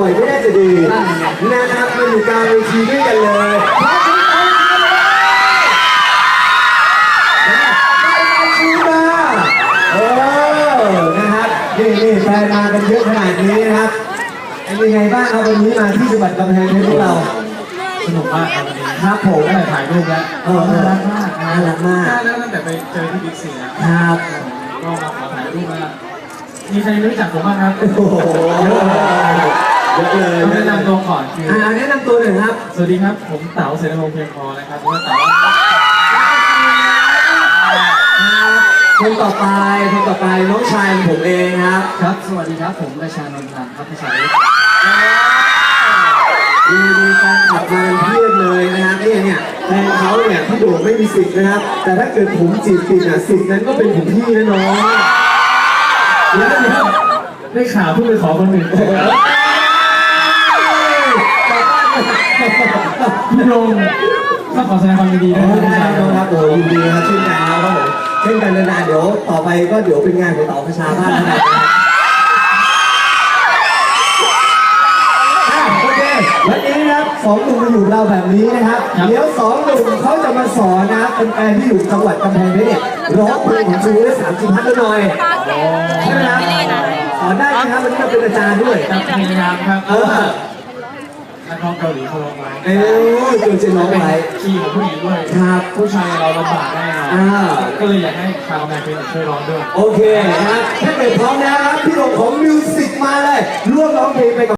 บ่อยๆไม่ได้จะดีนะครับมาอยู่กลางเวทีด้วยกันเลยนะครับนี่แฟนมากันเยอะขนาดนี้นะครับเป็นยังไงบ้างครับวันนี้มาที่จังหวัดกำแพงเพชรพวกเราสนุกมากครับวันนี้ครับผมได้ถ่ายรูปแล้วน่ารักมากน่ารักมากแล้วตั้งแต่ไปเจอที่บิ๊กซีนะครับก็มาขอถ่ายรูปแล้วมีใครรู้จักผมบ้างครับโอ้โหเยอะเลยแนะนำตัวก่อนคือแนะนำตัวหน่อยครับสวัสดีครับผมเต๋าเสนาพงษ์เพียงพอนะครับผมเต๋าคนต่อไปน้องชายผมเองครับครับสวัสดีครับผมราชานนท์พันธ์ครับพี่ชายมีการขับมาเพียบเลยนะครับเนี่ยแฟนเขาเนี่ยพี่โด่งไม่มีสิทธิ์นะครับแต่ถ้าเกิดผมจีบติดสิทธิ์นั้นก็เป็นของพี่นะน้องแล้วได้ข่าวเพิ่งไปขอคนอื่นพี่โด่งต้องขอแสดงความยินดีด้วยนะครับโอ้ยินดีครับเช่นกันครับผมเช่นกันนานๆเดี๋ยวต่อไปก็เดี๋ยวเป็นงานของเต๋าประชาบ้านนะครับโอเควันนี้นะครับสองหนุ่มมาอยู่เราแบบนี้นะครับเดี๋ยวสองหนุ่มเขาจะมาสอนนะเป็นแฟนที่อยู่จังหวัดกำแพงเพชรเนี่ยร้องเพลงของชูได้30 พันหน่อยใช่ไหมครับสอนได้ไหมครับวันนี้เราเป็นอาจารย์ด้วยพยายามครับนักร้องเกาหลีเขาร้องไว้ตัวจริงร้องไว้คีย์ของผู้หญิงด้วยครับผู้ชายเราลำบากแน่นอนก็เลยอยากให้ชาวแมนเป็นช่วยร้องด้วยโอเคนะครับถ้าเกิดพร้อมแล้วครับพี่หลงของมิวสิกมาเลยร่วมร้องเพลงไปกับ